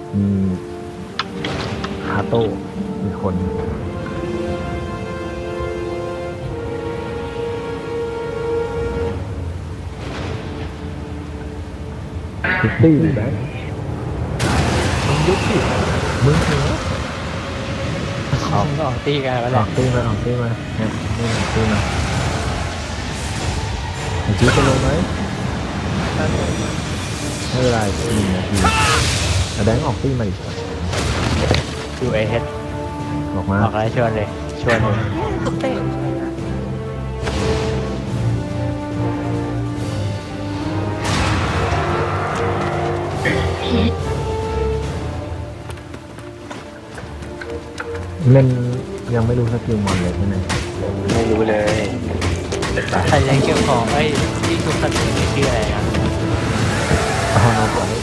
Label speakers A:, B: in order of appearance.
A: มีฮาโต้มีคนซิตี้อยู่แบงค์มึงยุบสิมึงเหรอ
B: ออกตีกันแล้วแห
A: อ
B: ละ
A: อกตีมาเนี่ยนี่ออกตีมาไอ้จี๊ดจะลงไหมไม่เป็นไร1 นาทีแต่แบงค์ออกตีมาอีก
B: อยู่เอเฮด
A: ออกมา
B: ออกแล้วชวนเลยชวนเลย
C: เตะ
A: เล่นยังไม่รู้สกิลมอนเลยใช่ไหม
B: ไม่รู้เลยใครยังเกี่ยวของไอ้ที่ทุกคนชื่ออะไรนะ
A: เอาโน้ตก่อน